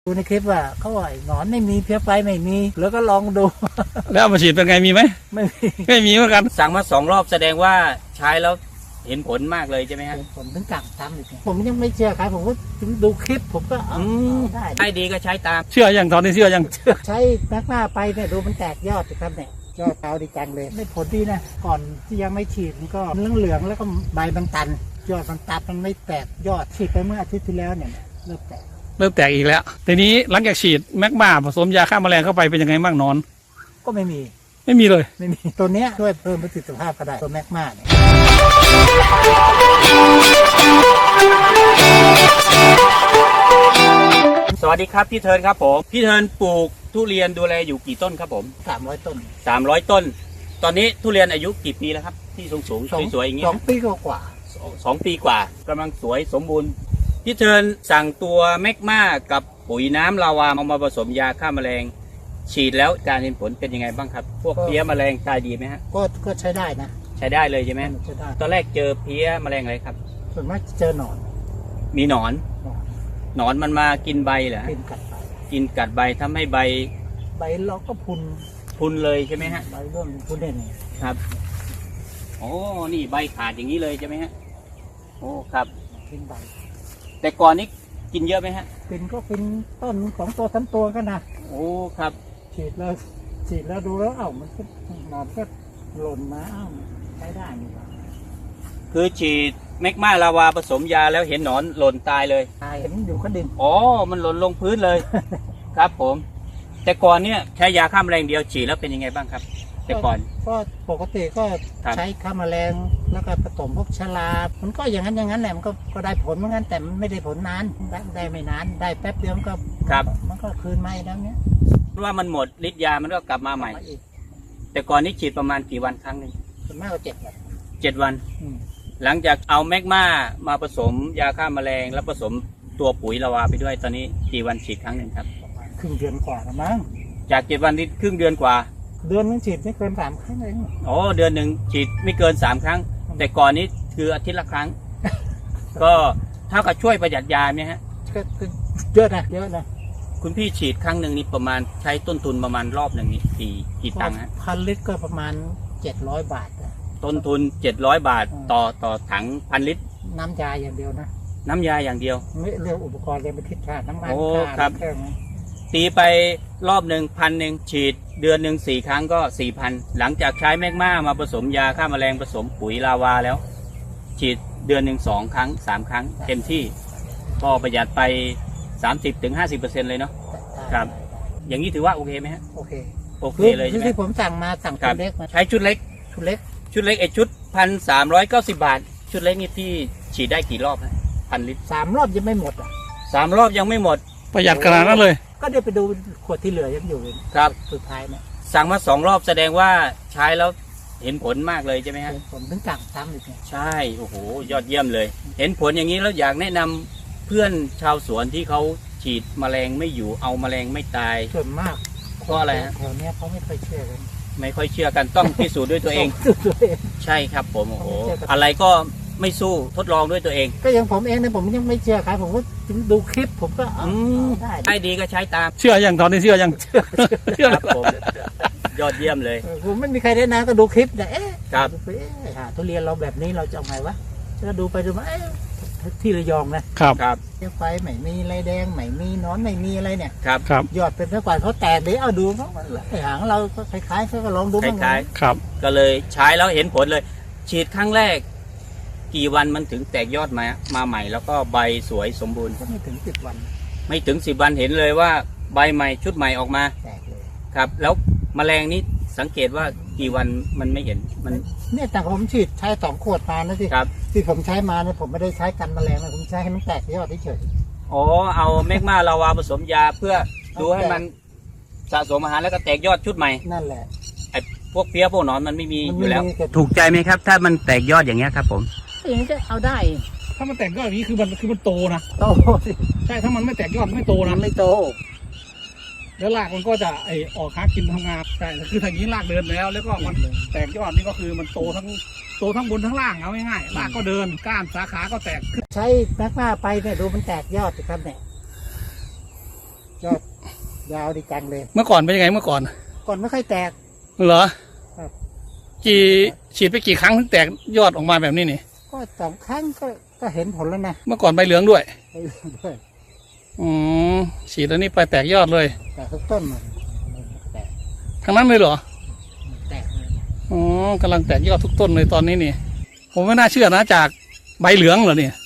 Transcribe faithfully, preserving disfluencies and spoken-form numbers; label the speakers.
Speaker 1: ดูในคลิปว่าเขาว่าหนอนไม่มีเพี้ยไฟไม่มีแล้วก็ลองดู
Speaker 2: แล้วเอามาฉีดเป็นไงมีไหม
Speaker 1: ไม่มี
Speaker 2: ไม่มีเหมือนกัน
Speaker 3: สั่งมาสองรอบแสดงว่าใช้แล้วเห็นผลมากเลยใช่ไหมฮะ
Speaker 1: ผมถึงกลับตามอีกผมยังไม่เชื่อใครผมก็ถึงดูคลิปผมก็เอาได้
Speaker 3: ได้ดีก็ใช้ตาม
Speaker 2: เชื่อยังตอนนี้เชื่อยัง
Speaker 1: ใช้แม็กมาไปเนี่ยดูมันแตกยอดสิครับเนี่ยยอดเตาดีจังเลยได้ผลดีนะก่อนที่ยังไม่ฉีดมันก็เหลืองเหลืองแล้วก็ใบมันตันยอดมันตัดมันไม่แตกยอดฉีดไปเมื่ออาทิตย์ที่แล้วเนี่ยเริ่มแตก
Speaker 2: เริ่มแตกอีกแล้วทีนี้หลังจากฉีดแมกมาผสมยาฆ่าแมลงเข้าไปเป็นยังไงบ้างนอน
Speaker 1: ก็ไม่มี
Speaker 2: ไม่มีเลย
Speaker 1: ไม่มีตัวเนี้ยช่วยเพิ่มประสิทธิภาพก็ได้ตัวแมกมาเนี่ย
Speaker 3: สวัสดีครับพี่เทิร์นครับผมพี่เทิร์นปลูกทุเรียนดูแลอยู่กี่ต้นครับผม
Speaker 1: สามร้อยต้น
Speaker 3: สามร้อยต้นตอนนี้ทุเรียนอายุกี่ปีแล้วครับที่สูงสูงสวยๆอย่างเงี้ย
Speaker 1: สองปีกว่า
Speaker 3: สองปีกว่ากำลังสวยสมบูรณ์พี่เทิร์นสั่งตัวแมกมากับปุ๋ยน้ำลาวาเอามาผสมยาฆ่าแมลงฉีดแล้วการเห็นผลเป็นยังไงบ้างครับพวกเพี้ยแมลงตายดีไหมฮะ
Speaker 1: ก็ก็ใช้ได้นะ
Speaker 3: ใช้ได้เลยใช่ไหม
Speaker 1: ใช้ได้
Speaker 3: ตอนแรกเจอเพี้ยแมลงอะไรครับ
Speaker 1: ส่วนมากเจอหนอน
Speaker 3: มีหนอนหนอนมันมากินใบเหรอ
Speaker 1: กินกัดใบ
Speaker 3: กินกัดใบทำให้ใบ
Speaker 1: ใบเราก็พุน
Speaker 3: พุนเลยใช่ไหมฮะ
Speaker 1: ใบร่วงพุนเด่น
Speaker 3: ครับโอ้นี่ใบขาดอย่างนี้เลยใช่ไหมฮะโอ้ครับ
Speaker 1: กินใบ
Speaker 3: แต่ก่อนนี้กินเยอะไหมฮะ
Speaker 1: กินก็กินต้นของตัวทั้งตัวกันนะ
Speaker 3: โอ้ครับ
Speaker 1: ฉีดแล้วฉีดแล้วดูแล้วเอ้ามันก็หนอนก็หล่นมาเอ้าใช้ได้นี่ว่า
Speaker 3: คือฉีดแมกมาลาวาผสมยาแล้วเห็นหนอนหล่นตายเลย
Speaker 1: ตายเห็นอยู่ก็ดิน
Speaker 3: อ๋อมันหล่นลงพื้นเลย ครับผมแต่ก่อนเนี้ยใช้ยาฆ่าแมลงเดียวฉีดแล้วเป็นยังไงบ้างครับแต่ก่อน
Speaker 1: ก็ปกติก็ใช้ฆ่าแมลงแล้วก็ผสมพวกชลามันก็อย่างนั้นอย่างนั้นแหละมันก็ก็ได้ผลเหมือนกันแต่มันไม่ได้ผลนานได้ได้ไม่นานได้แป๊บเดียวมันก็
Speaker 3: ครับ
Speaker 1: มันก็คืนมาอีกแล้วเนี้ย
Speaker 3: ว่ามันหมดฤทธิ์ยามันก็กลับมาใหม่แต่ก่อนนี้ฉีดประมาณกี่วันครั้งหนึ่ง
Speaker 1: ส่วนมากก็เจ็ดวัน
Speaker 3: เจ็ดวันหลังจากเอาแมกมามาผสมยาฆ่าแมลงแล้วผสมตัวปุ๋ยลาวาไปด้วยตอนนี้กี่วันฉีดครั้งหนึ่งครับ
Speaker 1: ครึ่งเดือนกว่าละมั้ง
Speaker 3: จากเจ็ดวันนี้ครึ่งเดือนกว่า
Speaker 1: เดือนนึงฉีดไม่เกินสามครั้งเอง
Speaker 3: อ๋อเดือนหนึ่งฉีดไม่เกินสามครั้งแต่ก่อนนี้คืออาทิตย์ละครั้ง ก็เท่ากับช่วยประหยัดยาไหมฮะ
Speaker 1: ก็เยอะนะเยอะนะ
Speaker 3: คุณพี่ฉีดครั้งหนึ่งนี่ประมาณใช้ต้นทุนประมาณรอบหนึ่งนี่กี่กี่ตังค์ฮะ
Speaker 1: พันลิตรก็ประมาณเจ็ดร้อยบาท
Speaker 3: ต้นทุนเจ็ดร้อยบาทต่อต่อถังพันลิตร
Speaker 1: น้ำยาอย่างเดียวนะ
Speaker 3: น้ำยาอย่างเดียว
Speaker 1: ไม่เรื่องอุปกรณ์เรียนไปทิศค่าน้ำมัน
Speaker 3: โอ้ครับตีไปรอบหนึ่งพันหนึ่งฉีดเดือนหนึ่งสี่ครั้งก็สี่พันหลังจากใช้แมกมามาผสมยาฆ่าแมลงผสมปุ๋ยลาวาแล้วฉีดเดือนหนึ่งสองครั้งสามครั้งเต็มที่ก็ประหยัดไปสามสิบถึงห้าสิบเปอร์เซ็นต์เลยเนาะครับอย่างนี้ถือว่าโอเคไหมฮะ
Speaker 1: โอเค
Speaker 3: โอเคเลยใช่ไหม
Speaker 1: ที่ผมสั่งมาสั่งชุดเล็ก
Speaker 3: ใช้ชุดเล็ก
Speaker 1: ชุดเล็ก
Speaker 3: ชุดเล็กไอชุดพันสามร้อยเก้าสิบบาทชุดเล็กนี่พี่ฉีดได้กี่รอบนะพันลิตร
Speaker 1: สามรอบยังไม่หมดอ่ะ
Speaker 3: สามรอบยังไม่หมด
Speaker 2: ประหยัดขนาดนั้นเลย
Speaker 1: ก็เดี๋ยวไปดูขวดที่เหลือยังอยู่
Speaker 3: ครับ
Speaker 1: สุดท้ายเนี่ย
Speaker 3: สั่งมาสองรอบแสดงว่าใช้แล้วเห็นผลมากเลยใช่ไหมฮะ
Speaker 1: ผมถึงสั่งซ้ำอีก
Speaker 3: ใช่โอ้โหยอดเยี่ยมเลยเห็นผลอย่างนี้แล้วอยากแนะนำเพื่อนชาวสวนที่เขาฉีดแมลงไม่อยู่เอาแมลงไม่ตาย
Speaker 1: ส่วนมาก
Speaker 3: เพราะอะไรฮะ
Speaker 1: แถวนี้เขาไม่ค่อยเชื่อกัน
Speaker 3: ไม่ค่อยเชื่อกันต้องพิสูจน์ด้วยตัวเองใช่ครับผมโอ้โหอะไรก็ไม่สู้ทดลองด้วยตัวเอง
Speaker 1: ก็อย่างผมเองเนี่ยผมยังไม่เชื่อใครผมก็ดูคลิปผมก็
Speaker 3: ได้ได้ดีก็ใช้ตาม
Speaker 2: เชื่อยังตอนนี้เชื่อยังเชื่อ
Speaker 3: ครับผมยอดเยี่ยมเลย
Speaker 1: ผมไม่มีใครได้นะก็ดูคลิปแต่เอ๊ะ
Speaker 3: ครับ
Speaker 1: ทุเรียนเราแบบนี้เราจะเอาไงวะแล้วดูไปดูมาที่ระยอง
Speaker 2: นะครับ
Speaker 3: ครับ
Speaker 1: ไฟไม่มีไรแดงไม่มีนอนไม่มีอะไรเนี่ย
Speaker 3: ครับครับ
Speaker 1: ยอดเป็นเท่าไหร่เขาแตกเดี๋ยวเอาดูเขาไอ้หางเราก็คล้ายๆเขาก็ลองดู
Speaker 3: คล้าย
Speaker 2: ๆครับ
Speaker 3: ก็เลยใช้แล้วเห็นผลเลยฉีดครั้งแรกกี่วันมันถึงแตกยอดมามาใหม่แล้วก็ใบสวยสมบูรณ์
Speaker 1: ก็ไม่ถึงสิบวัน
Speaker 3: ไม่ถึงสิบวันเห็นเลยว่าใบใหม่ชุดใหม่ออกมา
Speaker 1: แตกเลย
Speaker 3: ครับแล้วแมลงนี้สังเกตว่ากี่วันมันไม่เห็นมัน
Speaker 1: เนี่ยแต่ผมฉีดใช้สองขวดมานะสิ
Speaker 3: ครับ
Speaker 1: ที่ผมใช้มาเนี่ยผมไม่ได้ใช้กันแมลงนะผมใช้ให้มันแตกยอดเฉย
Speaker 3: อ๋อเอาแมกมาลาวาผสมยาเพื่อดูให้มันสะสมอาหารแล้วก็แตกยอดชุดใหม่
Speaker 1: นั่นแหละ
Speaker 3: ไอ้พวกเพี้ยพวกหนอนมันไม่มีอยู่แล้วถูกใจไหมครับถ้ามันแตกยอดอย่างเงี้ยครับผม
Speaker 1: อย่างนี้ก็เอาได้
Speaker 2: ถ้ามันแตกยอดอย่างนี้คือมันคือมันโตนะ
Speaker 1: โต
Speaker 2: ใช่ถ้ามันไม่แตกยอดไม่โตนะ
Speaker 1: ไม่โต
Speaker 2: แล้วรากมันก็จะไอออกหากินทำงานใช่คือทางนี้รากเดินแล้วแล้วก็มันแตกยอดนี่ก็คือมันโตทั้งโตทั้งบนทั้งล่างเอาง่ายๆรากก็เดินก้านสาขาก็แตก
Speaker 1: ใช้แมกมาไปเนี่ยดูมันแตกยอดสิครับเนี่ยยาวดีจังเลย
Speaker 2: เมื่อก่อนเป็นยังไงเมื่อก่อน
Speaker 1: ก่อนไม่ค่อยแตก
Speaker 2: เหรอ
Speaker 1: ครับ
Speaker 2: กี่ฉีดไปกี่ครั้งถึงแตกยอดออกมาแบบนี้นี่
Speaker 1: ก็สองครั้งก็ก็เห็นผลแล้วนะ
Speaker 2: เมื่อก่อนใบเหลืองด้วย
Speaker 1: ไปเรื่อยด้วย
Speaker 2: อืมฉีดแล้วนี่ไปแตกยอดเลย
Speaker 1: แต่ทุกต้นมันแตก
Speaker 2: ทั้งนั้นเลยเหรอ
Speaker 1: แตกเลย
Speaker 2: อ๋อกำลังแตกยอดทุกต้นเลยตอนนี้นี่ ผมไม่น่าเชื่อนะจากใบเหลืองเหรอเนี่ย